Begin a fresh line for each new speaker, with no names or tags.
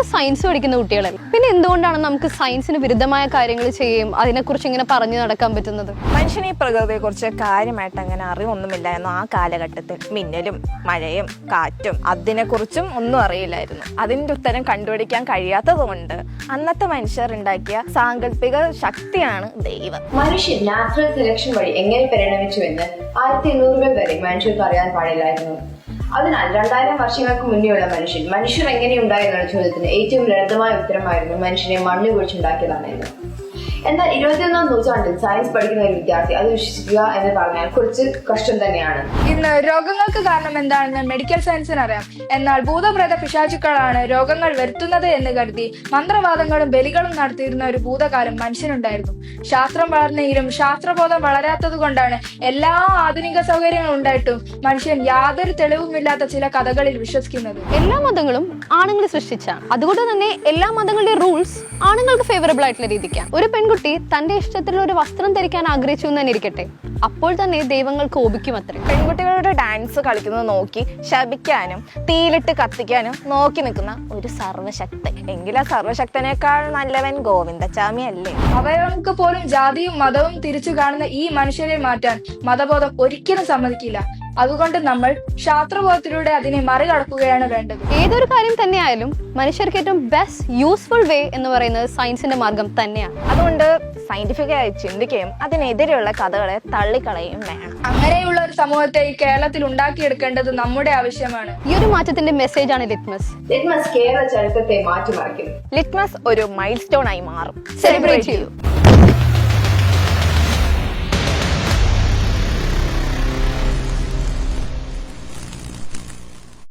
നമ്മളൊക്കെ സയൻസ് പഠിക്കുന്ന കുട്ടികളല്ലേ, പിന്നെ എന്തുകൊണ്ടാണ് നമുക്ക് സയൻസിന് വിരുദ്ധമായ കാര്യങ്ങൾ ചെയ്യുകയും അതിനെക്കുറിച്ച് ഇങ്ങനെ പറഞ്ഞു നടക്കാൻ പറ്റുന്നത്?
മനുഷ്യന് ഈ പ്രകൃതിയെക്കുറിച്ച് കാര്യമായിട്ട് അങ്ങനെ അറിവൊന്നുമില്ലായിരുന്നു. ആ കാലഘട്ടത്തിൽ മിന്നലും മഴയും കാറ്റും അതിനെക്കുറിച്ചും ഒന്നും അറിയില്ലായിരുന്നു. അതിൻ്റെ ഉത്തരം കണ്ടുപിടിക്കാൻ കഴിയാത്തത് കൊണ്ട് അന്നത്തെ മനുഷ്യർ ഉണ്ടാക്കിയ സാങ്കല്പിക ശക്തിയാണ് ദൈവം.
മനുഷ്യൻ നാച്ചുറൽ സെലക്ഷൻ വഴി എങ്ങനെ പരിണമിച്ചുവെന്ന് 1800 വരെ മനുഷ്യർക്ക് അറിയാൻ പാടില്ലായിരുന്നു. അതിനാൽ 2000 വർഷങ്ങൾക്ക് മുന്നേയുള്ള മനുഷ്യർ എങ്ങനെയുണ്ടായി എന്ന ചോദ്യത്തിന് ഏറ്റവും ലളിതമായ ഉത്തരമായിരുന്നു മനുഷ്യനെ മണ്ണ് കുഴിച്ചുണ്ടാക്കിയതാണെന്ന്. എന്നാൽ 21ാം നൂറ്റാണ്ടിൽ സയൻസ് പഠിക്കുന്ന ഒരു വിദ്യാർത്ഥി അത് വിശ്വസിക്കുക എന്ന് പറഞ്ഞാൽ കുറച്ച് കഷ്ടം തന്നെയാണ്.
ഇന്ന് രോഗങ്ങൾക്ക് കാരണം എന്താണെന്ന് മെഡിക്കൽ സയൻസിന് അറിയാം. എന്നാൽ ഭൂതപ്രേത പിശാചുക്കളാണ് രോഗങ്ങൾ വരുത്തുന്നത് എന്ന് കരുതി മന്ത്രവാദങ്ങളും ബലികളും നടത്തിയിരുന്ന ഒരു ഭൂതകാലം മനുഷ്യനുണ്ടായിരുന്നു. ശാസ്ത്രം വളർന്നെങ്കിലും ശാസ്ത്രബോധം വളരാത്തത് കൊണ്ടാണ് എല്ലാ ആധുനിക സൗകര്യങ്ങളും ഉണ്ടായിട്ടും മനുഷ്യൻ യാതൊരു തെളിവുമില്ലാത്ത ചില കഥകളിൽ വിശ്വസിക്കുന്നത്.
എല്ലാ മതങ്ങളും ആണുങ്ങൾ സൃഷ്ടിച്ചാണ്. അതുകൊണ്ട് തന്നെ എല്ലാ മതങ്ങളുടെ റൂൾസ് ആണുങ്ങൾക്ക് ഫേവറബിൾ ആയിട്ടുള്ള രീതിക്കാണ്. ഒരു പെൺകുട്ടി തന്റെ ഇഷ്ടത്തിലുള്ള ഒരു വസ്ത്രം ധരിക്കാൻ ആഗ്രഹിച്ചു എന്ന് തന്നെ ഇരിക്കട്ടെ, അപ്പോൾ തന്നെ ദൈവങ്ങൾ കോപിക്കും അത്രേ.
പെൺകുട്ടികളുടെ ഡാൻസ് കളിക്കുന്നത് നോക്കി ശപിക്കാനും തീയിലിട്ട് കത്തിക്കാനും നോക്കി നിൽക്കുന്ന ഒരു സർവശക്തൻ. എങ്കിലും ആ സർവശക്തനേക്കാൾ നല്ലവൻ ഗോവിന്ദച്ചാമി അല്ലേ?
അവയവങ്ങൾക്ക് പോലും ജാതിയും മതവും തിരിച്ചു കാണുന്ന ഈ മനുഷ്യരെ മാറ്റാൻ മതബോധം ഒരിക്കലും സമ്മതിക്കില്ല. അതുകൊണ്ട് നമ്മൾ ശാസ്ത്രബോധത്തിലൂടെ അതിനെ മറികടക്കുകയാണ് വേണ്ടത്.
ഏതൊരു കാര്യം തന്നെയായാലും മനുഷ്യർക്ക് ഏറ്റവും ബെസ്റ്റ് യൂസ്ഫുൾ വേ എന്ന് പറയുന്നത് സയൻസിന്റെ മാർഗം തന്നെയാണ്.
അതുകൊണ്ട് സയന്റിഫിക്കായി ചിന്തിക്കുകയും അതിനെതിരെയുള്ള കഥകളെ തള്ളിക്കളയുകയും വേണം.
അങ്ങനെയുള്ള ഒരു സമൂഹത്തെ ഈ കേരളത്തിൽ ഉണ്ടാക്കിയെടുക്കേണ്ടത് നമ്മുടെ ആവശ്യമാണ്.
ഈ ഒരു മാറ്റത്തിന്റെ മെസ്സേജ് ആണ് ലിറ്റ്മസ്.
ലിറ്റ്മസ് കേരള ചരിത്രത്തെ മാറ്റിമറിക്കും.
ലിറ്റ്മസ് ഒരു മൈൽ സ്റ്റോൺ ആയി മാറും.
സെലിബ്രേറ്റ് ചെയ്യൂ.